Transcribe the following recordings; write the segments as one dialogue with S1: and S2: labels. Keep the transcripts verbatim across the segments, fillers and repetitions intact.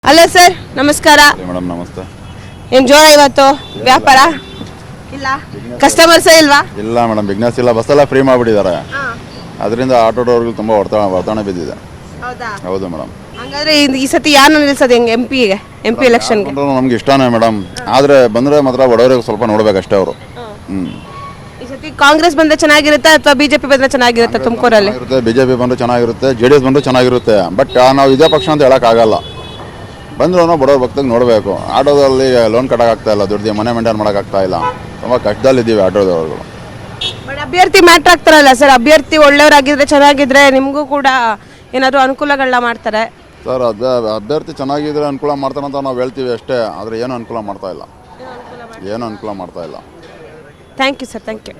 S1: Hello sir, ನಮಸ್ಕಾರ
S2: madam. ನಮಸ್ತೆ.
S1: ಏನ್ ಜೋರ ಇವತ್ತು ವ್ಯಾಪಾರ ಇಲ್ಲ? ಕಸ್ಟಮರ್ಸ್ ಇಲ್ವಾ?
S2: ಇಲ್ಲ ಮೇಡಮ್, ಬಿಸ್ನೆಸ್ ಇಲ್ಲ. ಬಸ್ ಎಲ್ಲ ಫ್ರೀ ಮಾಡಿಬಿಟ್ಟಿದ್ದಾರೆ. ಅದರಿಂದ ಆಟೋ ಡ್ರೈವರ್ಗಳು ತುಂಬ ಹೊಡೆತ ಹೊಡೆತಾಣ ಬಿದ್ದಿದೆ. ಹೌದು ಮೇಡಮ್.
S1: ಹಂಗಾದ್ರೆ ಈ ಸತಿ ಯಾರನ್ನ ನಿಲ್ಸೋದು ಹೆಂಗೆ? ಎಂ ಪಿಗೆ ಎಂ ಪಿ ಎಲೆಕ್ಷನ್ಗೆ
S2: ನಮ್ಗೆ ಇಷ್ಟನೇ ಮೇಡಮ್. ಆದರೆ ಬಂದರೆ ಮಾತ್ರ ಬಡವರಿಗೆ ಸ್ವಲ್ಪ ನೋಡ್ಬೇಕಷ್ಟೇ ಅವರು. ಹ್ಞೂ
S1: ಈ ಸತಿ ಕಾಂಗ್ರೆಸ್ ಬಂದ್ರೆ ಚೆನ್ನಾಗಿರುತ್ತೆ ಅಥವಾ ಬಿಜೆಪಿ ಬಂದ್ರೆ ಚೆನ್ನಾಗಿರುತ್ತೆ? ತುಮಕೂರಲ್ಲಿ
S2: ಬಿಜೆಪಿ ಬಂದ್ರೆ ಚೆನ್ನಾಗಿರುತ್ತೆ, ಜೆ ಡಿ ಎಸ್ ಬಂದ್ರೆ ಚೆನ್ನಾಗಿರುತ್ತೆ. ಬಟ್ ನಾವು ಇದೇ ಪಕ್ಷ ಅಂತ ಹೇಳೋಕ್ಕಾಗಲ್ಲ. ಬಂದ್ರೂ ಬಡವ್ರ ಭಕ್ತಿಗೆ ನೋಡಬೇಕು. ಆಟೋದಲ್ಲಿ ಲೋನ್ ಕಟ್ಟೋಕ್ಕಾಗ್ತಾ ಇಲ್ಲ, ದುಡ್ಡು ಮನೆ ಮೇಂಟೈನ್ ಮಾಡೋಕ್ಕಾಗ್ತಾ ಇಲ್ಲ. ತುಂಬ ಕಷ್ಟದಲ್ಲಿದ್ದೀವಿ ಆಟೋದವ್ರುಗಳು.
S1: ಬಟ್ ಅಭ್ಯರ್ಥಿ ಮ್ಯಾಟ್ರ್ ಆಗ್ತಾರಲ್ಲ ಸರ್, ಅಭ್ಯರ್ಥಿ ಒಳ್ಳೆಯವರಾಗಿದ್ರೆ ಚೆನ್ನಾಗಿದ್ರೆ ನಿಮಗೂ ಕೂಡ ಏನಾದರೂ ಅನುಕೂಲಗಳನ್ನ ಮಾಡ್ತಾರೆ
S2: ಸರ್. ಅಭ್ಯ ಅಭ್ಯರ್ಥಿ ಚೆನ್ನಾಗಿದ್ರೆ ಅನುಕೂಲ ಮಾಡ್ತಾರೆ ಅಂತ ನಾವು ಹೇಳ್ತೀವಿ ಅಷ್ಟೇ. ಆದರೆ ಏನು ಅನುಕೂಲ ಮಾಡ್ತಾ ಇಲ್ಲ, ಏನು ಅನುಕೂಲ ಮಾಡ್ತಾ ಇಲ್ಲ.
S1: Thank you sir, thank you.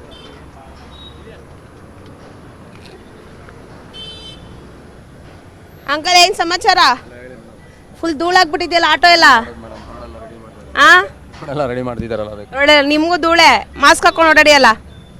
S1: Uncle, ಏನು ಸಮಾಚಾರ? ಫುಲ್ ಧೂಳಾಗ್ಬಿಟ್ಟಿದೆಯಲ್ಲ ಆಟೋ ಎಲ್ಲ. ಆ
S3: ಎಲ್ಲ ರೆಡಿ ಮಾಡ್ತಿದ್ದಾರಲ್ಲ ಅದಕ್ಕೆ.
S1: ನೋಡಿ, ನಿಮಗೂ ಧೂಳೆ. ಮಾಸ್ಕ್ ಹಾಕೊಂಡು ಓಡಾಡಿಯಲ್ಲ.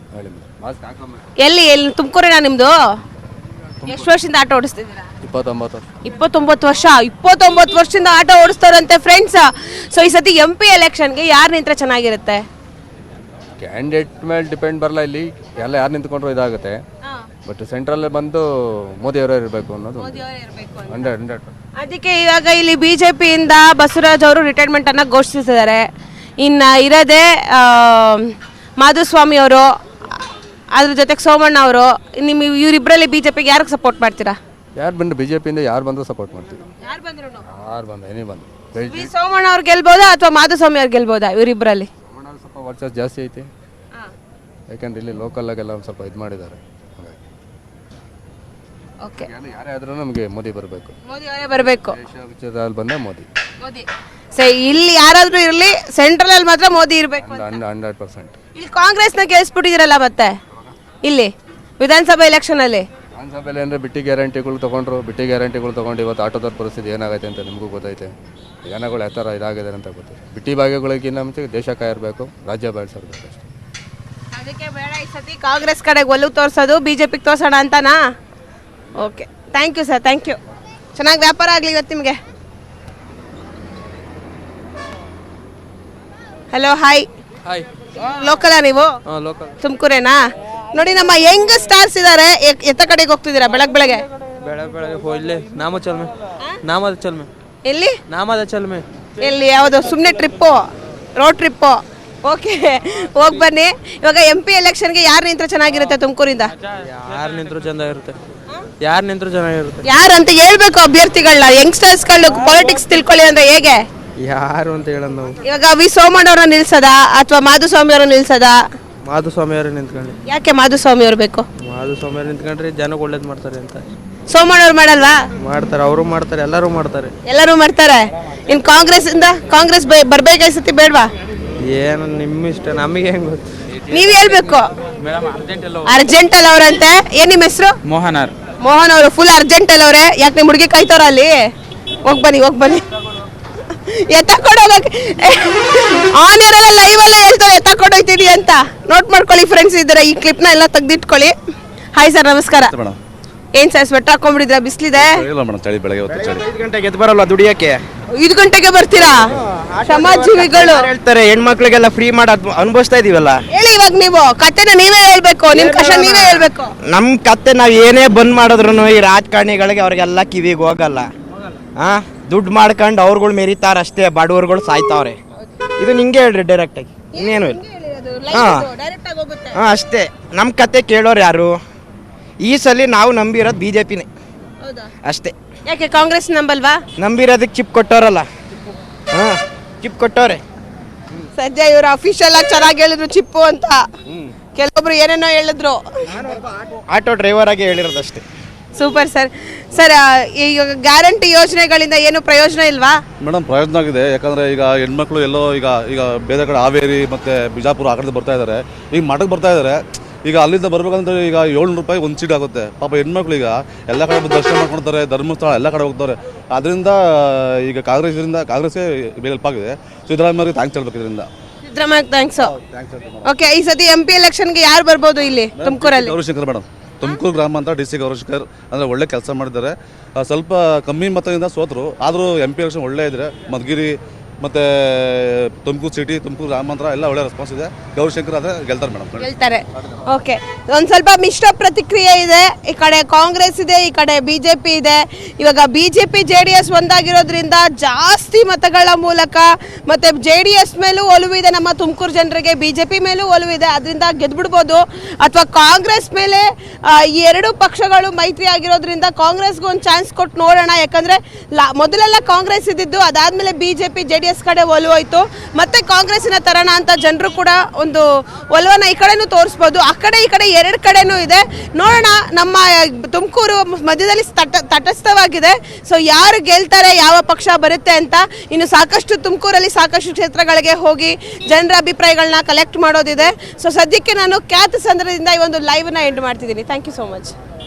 S1: ಎಲ್ಲಿ ಎಲ್ಲಿ ತುಮಕೂರಿನ ನಿಮ್ಮದು? ಎಷ್ಟು ವರ್ಷದಿಂದ ಆಟೋ ಓಡಿಸ್ತಿದ್ದೀರಾ?
S3: ಇಪ್ಪತ್ತೊಂಬತ್ತು
S1: ಇಪ್ಪತ್ತೊಂಬತ್ತು ವರ್ಷ ಇಪ್ಪತ್ತೊಂಬತ್ತು ವರ್ಷದಿಂದ ಆಟೋ ಓಡಿಸ್ತಾರಂತೆ ಫ್ರೆಂಡ್ಸ್. ಸೊ ಈ ಸತಿ ಎಂ ಪಿ ಎಲೆಕ್ಷನ್ಗೆ ಯಾರು ನಿಂತ್ರೆ ಚೆನ್ನಾಗಿರುತ್ತೆ?
S3: ಕ್ಯಾಂಡಿಡೇಟ್ ಮೇಲೆ ಡಿಪೆಂಡ್ ಬರಲ್ಲ. ಇಲ್ಲಿ ಎಲ್ಲ ಯಾರು ನಿಂತ್ಕೊಂಡ್ರು ಇದಾಗುತ್ತೆ. ಬಟ್ ಸೆಂಟ್ರಲ್ಲೇ ಬಂದು ಮೋದಿಯವರೇ ಇರಬೇಕು ಅನ್ನೋದು ಹಂಡ್ರೆಡ್ ಹಂಡ್ರೆಡ್.
S1: ಅದಕ್ಕೆ ಇವಾಗ ಇಲ್ಲಿ ಬಿಜೆಪಿಯಿಂದ ಬಸವರಾಜ್ ಅವರು ರಿಟೈರ್ಮೆಂಟ್ ಅನ್ನ ಘೋಷಿಸಿದ್ದಾರೆ. ಇನ್ನು ಇರೋದೇ ಮಾಧುಸ್ವಾಮಿ ಅವರು, ಅದ್ರ ಜೊತೆಗೆ ಸೋಮಣ್ಣ ಅವರು. ನಿಮ್ಮ ಇವರಿಬ್ಬರಲ್ಲಿ ಬಿಜೆಪಿಗೆ ಯಾರಿಗೆ ಸಪೋರ್ಟ್ ಮಾಡ್ತೀರಾ?
S3: ಯಾರು ಬಂದು ಬಿಜೆಪಿಯಿಂದ ಯಾರು ಬಂದರೂ ಸಪೋರ್ಟ್ ಮಾಡ್ತೀವಿ.
S1: ಯಾರು ಬಂದ್ರು
S3: ಯಾರು ಬಂದು ಏನೇ ಬಂದು
S1: ಸೋಮಣ್ಣ ಅವ್ರು ಗೆಲ್ಬೋದಾ ಅಥವಾ ಮಾಧುಸ್ವಾಮಿ ಅವ್ರು ಗೆಲ್ಬೋದಾ? ಇವರಿಬ್ಬರಲ್ಲಿ
S3: ಸ್ವಲ್ಪ ವರ್ಚಸ್ ಜಾಸ್ತಿ ಐತಿ. ಯಾಕಂದ್ರೆ ಇಲ್ಲಿ ಲೋಕಲ್ಲಾಗೆಲ್ಲ ಒಂದು ಸ್ವಲ್ಪ ಇದು ಮಾಡಿದ್ದಾರೆ.
S1: ಓಕೆ,
S3: ಯಾರೇ ಆದ್ರೂ ನಮಗೆ ಮೋದಿ ಬರಬೇಕು.
S1: ಮೋದಿ ಅವರೇ ಬರಬೇಕು.
S3: ವಿಷಯದಲ್ಲಿ ಬಂದ ಮೋದಿ
S1: ಮೋದಿ ಸರಿ. ಇಲ್ಲಿ ಯಾರಾದ್ರೂ ಇರಲಿ, ಸೆಂಟ್ರಲ್ ಅಲ್ಲಿ ಮಾತ್ರ ಮೋದಿ ಇರಬೇಕು.
S3: Hundred percent.
S1: ಇಲ್ಲಿ ಕಾಂಗ್ರೆಸ್ನ ಗೆಲ್ಸ್ಬಿಟ್ಟಿದ್ದೀರಲ್ಲ ಮತ್ತೆ ಇಲ್ಲಿ ವಿಧಾನಸಭಾ ಎಲೆಕ್ಷನ್ ಅಲ್ಲಿ.
S3: ವಿಧಾನಸಭೆಯಲ್ಲಿ ಅಂದರೆ ಬಿಟ್ಟಿ ಗ್ಯಾರಂಟಿಗಳು ತೊಗೊಂಡ್ರು. ಬಿಟ್ಟಿ ಗ್ಯಾರಂಟಿಗಳು ತೊಗೊಂಡು ಇವತ್ತು ಆಟೋದವ್ರ ಪರಿಸ್ಥಿತಿ ಏನಾಗೈತೆ ಅಂತ ನಿಮಗೂ ಗೊತ್ತೈತೆ. ಜನಗಳು ಯಾವ ಥರ ಇದಾಗಿದೆ ಅಂತ ಗೊತ್ತಿದೆ. ಬಿಟ್ಟಿ ಭಾಗ್ಯಗಳಿಗಿಂತ ಮುಂಚೆ ದೇಶ ಕಾಯಿರಬೇಕು, ರಾಜ್ಯ ಬೆಳೆಸಿರ್ಬೇಕು ಅಷ್ಟೇ.
S1: ಅದಕ್ಕೆ ಬೇಡ ಈ ಸತಿ ಕಾಂಗ್ರೆಸ್ ಕಡೆಗೆ ಒಲವು ತೋರಿಸೋದು, ಬಿಜೆಪಿಗೆ ತೋರ್ಸೋಣ ಅಂತನಾ? Okay, thank you sir, thank you. ಚೆನ್ನಾಗಿ ವ್ಯಾಪಾರ ಆಗಲಿ ಇವತ್ತು ನಿಮಗೆ. Hello, hi.
S4: ಹಾಯ್.
S1: ಲೋಕಲಾ ನೀವು?
S4: ಹಾಂ, ಲೋಕಲ್.
S1: ತುಮಕೂರೇನಾ? ನೋಡಿ, ನಮ್ಮ ಯಂಗ್ ಸ್ಟಾರ್ಸ್ ಇದ್ದಾರೆ. ಎತ್ತ ಕಡೆಗೆ ಹೋಗ್ತಿದ್ದೀರಾ ಬೆಳಗ್ಗೆ ಬೆಳಗ್ಗೆ?
S4: ಬೆಳಗ್ಗೆ ಬೆಳಗ್ಗೆ ಹೋ ಇಲ್ಲಿ ನಾಮ ಚಲ್ಮೆ ನಾಮದ ಚಲ್ಮೆ.
S1: ಎಲ್ಲಿ
S4: ನಾಮದ ಚಲ್ಮೆ?
S1: ಎಲ್ಲಿ? ಯಾವುದು? ಸುಮ್ಮನೆ ಟ್ರಿಪ್ಪು, ರೋಡ್ ಟ್ರಿಪ್ಪು? ಓಕೆ, ಹೋಗಿ ಬನ್ನಿ. ಇವಾಗ ಎಂ ಪಿ ಎಲೆಕ್ಷನ್ಗೆ ಯಾರು ನಿಂತ್ರೆ ಚೆನ್ನಾಗಿರುತ್ತೆ ತುಮಕೂರಿಂದ?
S4: ಯಾರು ನಿಂತರೂ ಚೆನ್ನಾಗಿರುತ್ತೆ. ಯಾರು ನಿಂತರೂ ಚೆನ್ನಾಗಿರುತ್ತೆ.
S1: ಯಾರಂತ ಹೇಳ್ಬೇಕು ಅಭ್ಯರ್ಥಿಗಳನ್ನ. ಯಂಗ್ಸ್ಟರ್ಸ್ಗಳು ಪಾಲಿಟಿಕ್ಸ್ ತಿಳ್ಕೊಳ್ಳಿ ಅಂದ್ರೆ ಹೇಗೆ?
S4: ಯಾರು ಅಂತ ಹೇಳೋದು ನಾವು.
S1: ಇವಾಗ ವಿ ಸೋಮಣ್ಣ ಅವ್ರನ್ನ ನಿಲ್ಸದ ಅಥವಾ ಮಾಧುಸ್ವಾಮಿ ಅವ್ರನ್ನ ನಿಲ್ಸದ?
S4: ಮಾಧುಸ್ವಾಮಿ ಅವರು ನಿಂತ್ಕೊಂಡು.
S1: ಯಾಕೆ ಮಾಧುಸ್ವಾಮಿ ಅವ್ರು ಬೇಕು?
S4: ಮಾಧುಸ್ವಾಮಿ ಅವರು ನಿಂತ್ಕೊಂಡ್ರೆ ಜನಕ್ಕೆ ಒಳ್ಳೇದು ಮಾಡ್ತಾರೆ ಅಂತ.
S1: ಸೋಮಣ್ಣ ಅವ್ರು ಮಾಡಲ್ವಾ?
S4: ಮಾಡ್ತಾರೆ, ಅವರು ಮಾಡ್ತಾರೆ, ಎಲ್ಲರೂ ಮಾಡ್ತಾರೆ.
S1: ಎಲ್ಲರೂ ಮಾಡ್ತಾರೆ. ಇನ್ ಕಾಂಗ್ರೆಸ್ ಇಂದ ಕಾಂಗ್ರೆಸ್ ಬರ್ಬೇಕಾಯ್ಸತಿ ಬೇಡವಾ?
S4: ಏನು ನಿಮ್ಮ ಇಷ್ಟ, ನಮಗೆ ಹೆಂಗ್ ಗೊತ್ತು?
S1: ನೀವ್ ಹೇಳ್ಬೇಕು. ಅರ್ಜೆಂಟ್ ಅಲ್ಲ ಅವ್ರಂತೆ. ಏನ್ ನಿಮ್ಮ ಹೆಸರು?
S4: ಮೋಹನ್ ಆರ್.
S1: ಮೋಹನ್ ಅವರು ಫುಲ್ ಅರ್ಜೆಂಟ್ ಅಲ್ಲ ಅವ್ರೆ. ಯಾಕೆ ನಿಮ್ ಹುಡುಗಿ ಕಾಯ್ತಾರ ಅಲ್ಲಿ? ಹೋಗ್ ಬನ್ನಿ, ಹೋಗ್ ಬನ್ನಿ. ಎತ್ತಕೊಂಡೋಗಕ್ಕೆ ಆನ್ ಇರಲ್ಲ, ಲೈವ್ ಅಲ್ಲೇ ಹೇಳ್ತಾರೆ ಎತ್ತಕೊಂಡೋಗ್ತೀನಿ ಅಂತ. ನೋಟ್ ಮಾಡ್ಕೊಳ್ಳಿ ಫ್ರೆಂಡ್ಸ್, ಇದ್ದಾರೆ ಈ ಕ್ಲಿಪ್ ನ ಎಲ್ಲ ತೆಗ್ದಿಟ್ಕೊಳ್ಳಿ. ಹಾಯ್ ಸರ್, ನಮಸ್ಕಾರ. ಏನ್ ಸರ್ ಸ್ವೆಟರ್ ಹಾಕೊಂಡ್ಬಿಟ್ಟಿದ್ರ? ಬಿಸ್ಲಿದೆ.
S4: ಐದು ಗಂಟೆಗೆ ಎದ್ದು ಬರಲ್ಲ ದುಡಿಯಕ್ಕೆ.
S1: ಐದು ಗಂಟೆಗೆ ಬರ್ತೀರಾ? ಸಮಾಜಜೀವಿಗಳು
S4: ಹೇಳ್ತಾರೆ ಹೆಣ್ಮಕ್ಳಿಗೆಲ್ಲ ಫ್ರೀ ಮಾಡೋದು ಅನುಭವಿಸ್ತಾ ಇದೀವಲ್ಲ.
S1: ಹೇಳಿ ಇವಾಗ ನೀವು ಕತೆನ ನೀವೇ ಹೇಳ್ಬೇಕು, ನಿಮ್ ಕಷ್ಟ ನೀವೇ ಹೇಳ್ಬೇಕು.
S4: ನಮ್ ಕತ್ತೆ ನಾವ್ ಏನೇ ಬಂದ್ ಮಾಡಿದ್ರು ಈ ರಾಜಕಾರಣಿಗಳಿಗೆ ಅವ್ರಿಗೆಲ್ಲ ಕಿವಿಗೆ ಹೋಗಲ್ಲ. ಹಾ, ದುಡ್ಡು ಮಾಡ್ಕೊಂಡು ಅವ್ರುಗಳು ಮೆರಿತಾರ ಅಷ್ಟೇ, ಬಡವರುಗಳು ಸಾಯ್ತಾವ್ರೆ. ಇದು ನಿಂಗೆ ಹೇಳ್ರಿ ಡೈರೆಕ್ಟ್ ಆಗಿ, ಇನ್ನೇನು ಇಲ್ಲ. ಹಾ ಹಾ ಅಷ್ಟೇ. ನಮ್ ಕತೆ ಕೇಳೋರು ಯಾರು? ಈ ಸಲ ನಾವು ನಂಬಿರೋದು ಬಿಜೆಪಿನೇ ಅಷ್ಟೇ.
S1: ಯಾಕೆ ಕಾಂಗ್ರೆಸ್ ನಂಬಲ್ವಾ?
S4: ನಂಬಿರೋದಕ್ಕೆ ಚಿಪ್ ಕೊಟ್ಟವ್ರಲ್ಲ. ಹಾ, ಚಿಪ್ ಕೊಟ್ಟವ್ರೆ.
S1: ಸದ್ಯ ಇವ್ರು ಅಫಿಷಿಯಲ್ ಆಗಿ ಚೆನ್ನಾಗಿ ಹೇಳಿದ್ರು ಚಿಪ್ಪು ಅಂತ. ಕೆಲವೊಬ್ರು ಏನೇನೋ ಹೇಳಿದ್ರು.
S4: ಆಟೋ ಡ್ರೈವರ್ ಆಗಿ ಹೇಳಿರೋದಷ್ಟೇ.
S1: Super sir. ಸರ್, ಈಗ ಗ್ಯಾರಂಟಿ ಯೋಜನೆಗಳಿಂದ ಏನು ಪ್ರಯೋಜನ ಇಲ್ವಾ?
S2: ಮೇಡಮ್, ಪ್ರಯೋಜನ ಆಗಿದೆ. ಯಾಕಂದರೆ ಈಗ ಹೆಣ್ಮಕ್ಳು ಎಲ್ಲೋ ಈಗ ಈಗ ಬೇರೆ ಕಡೆ ಹಾವೇರಿ ಮತ್ತು ಬಿಜಾಪುರ ಆ ಕಡೆ ಬರ್ತಾ ಇದ್ದಾರೆ. ಈಗ ಮಠಕ್ಕೆ ಬರ್ತಾ ಇದ್ದಾರೆ. ಈಗ ಅಲ್ಲಿಂದ ಬರ್ಬೇಕಂದ್ರೆ ಈಗ ಏಳ್ನೂರು ರೂಪಾಯಿ ಒಂದು ಸೀಟ್ ಆಗುತ್ತೆ. ಪಾಪ ಹೆಣ್ಮಕ್ಳು ಈಗ ಎಲ್ಲ ಕಡೆ ದರ್ಶನ ಮಾಡ್ಕೊಳ್ತಾರೆ, ಧರ್ಮಸ್ಥಳ ಎಲ್ಲ ಕಡೆ ಹೋಗ್ತಾರೆ. ಅದರಿಂದ ಈಗ ಕಾಂಗ್ರೆಸ್ರಿಂದ ಕಾಂಗ್ರೆಸ್ಗೆ ಹೆಲ್ಪ್ ಆಗಿದೆ. ಸಿದ್ದರಾಮಯ್ಯ ಥ್ಯಾಂಕ್ಸ್ ಹೇಳ್ಬೇಕು ಇದರಿಂದ.
S1: ಸಿದ್ದರಾಮಯ್ಯ ಥ್ಯಾಂಕ್ಸ್. ಓಕೆ, ಈ ಸತಿ ಎಂ ಪಿ ಎಲೆಕ್ಷನ್ಗೆ ಯಾರು ಬರ್ಬೋದು ಇಲ್ಲಿ ತುಮಕೂರಲ್ಲಿ?
S2: ಗೌರಿಶಂಕರ್ ಮೇಡಮ್. ತುಮಕೂರು ಗ್ರಾಮಾಂತರ ಡಿ ಸಿ ಗೌರಶೇಖರ್ ಅಂದರೆ ಒಳ್ಳೆ ಕೆಲಸ ಮಾಡಿದ್ದಾರೆ. ಆ, ಸ್ವಲ್ಪ ಕಮ್ಮಿ ಮತದಿಂದ ಸೋತರು, ಆದರೂ ಎಂ ಪಿ ಎಲೆಕ್ಷನ್ ಒಳ್ಳೆ ಇದ್ರೆ ಮಧುಗಿರಿ ಮತ್ತು ತುಮಕೂರು ಸಿಟಿ, ತುಮಕೂರು ಗ್ರಾಮಾಂತರ ಎಲ್ಲ ಒಳ್ಳೆ ರೆಸ್ಪಾನ್ಸ್ ಇದೆ. ಗೌರಶೇಖರ್ ಆದರೆ ಗೆಲ್ತಾರೆ ಮೇಡಮ್.
S1: ಗೆಲ್ತಾರೆ. ಓಕೆ, ಒಂದು ಸ್ವಲ್ಪ ಮಿಶ್ರ ಪ್ರತಿಕ್ರಿಯೆ ಇದೆ. ಈ ಕಡೆ ಕಾಂಗ್ರೆಸ್ ಇದೆ, ಈ ಕಡೆ ಬಿ ಜೆ ಪಿ ಇದೆ. ಇವಾಗ B J P J D S ಒಂದಾಗಿರೋದ್ರಿಂದ ಜಾಸ್ತಿ ಮತಗಳ ಮೂಲಕ ಮತ್ತು ಜೆ ಡಿ ಎಸ್ ಮೇಲೂ ಒಲವಿದೆ ನಮ್ಮ ತುಮಕೂರು ಜನರಿಗೆ, ಬಿ ಜೆ ಪಿ ಮೇಲೂ ಒಲವಿದೆ, ಅದರಿಂದ ಗೆದ್ಬಿಡ್ಬೋದು. ಅಥವಾ ಕಾಂಗ್ರೆಸ್ ಮೇಲೆ ಆ, ಈ ಎರಡು ಪಕ್ಷಗಳು ಮೈತ್ರಿ ಆಗಿರೋದ್ರಿಂದ ಕಾಂಗ್ರೆಸ್ಗೆ ಒಂದು ಚಾನ್ಸ್ ಕೊಟ್ಟು ನೋಡೋಣ. ಯಾಕಂದರೆ ಲಾ ಮೊದಲೆಲ್ಲ ಕಾಂಗ್ರೆಸ್ ಇದ್ದಿದ್ದು, ಅದಾದಮೇಲೆ B J P J D S ಕಡೆ ಒಲವಾಯಿತು. ಮತ್ತೆ ಕಾಂಗ್ರೆಸ್ಸಿನ ತರೋಣ ಅಂತ ಜನರು ಕೂಡ ಒಂದು ಒಲವನ್ನ ಈ ಕಡೆನೂ ತೋರಿಸ್ಬೋದು. ಆ ಕಡೆ ಈ ಕಡೆ ಎರಡು ಕಡೆನೂ ಇದೆ. ನೋಡೋಣ, ನಮ್ಮ ತುಮಕೂರು ಮಧ್ಯದಲ್ಲಿ ತಟ ತಟಸ್ಥವಾಗಿದೆ. ಸೊ ಯಾರು ಗೆಲ್ತಾರೆ, ಯಾವ ಪಕ್ಷ ಬರುತ್ತೆ ಅಂತ ಇನ್ನು ಸಾಕಷ್ಟು ತುಮಕೂರಲ್ಲಿ ಸಾಕಷ್ಟು ಕ್ಷೇತ್ರಗಳಿಗೆ ಹೋಗಿ ಜನರ ಅಭಿಪ್ರಾಯಗಳನ್ನ ಕಲೆಕ್ಟ್ ಮಾಡೋದಿದೆ. ಸೊ ಸದ್ಯಕ್ಕೆ ನಾನು ಖ್ಯಾತ ಸಂದರ್ಭದಿಂದ ಈ ಒಂದು ಲೈವ್ನ ಎಂಡ್ ಮಾಡ್ತಿದ್ದೀನಿ. Thank you so much.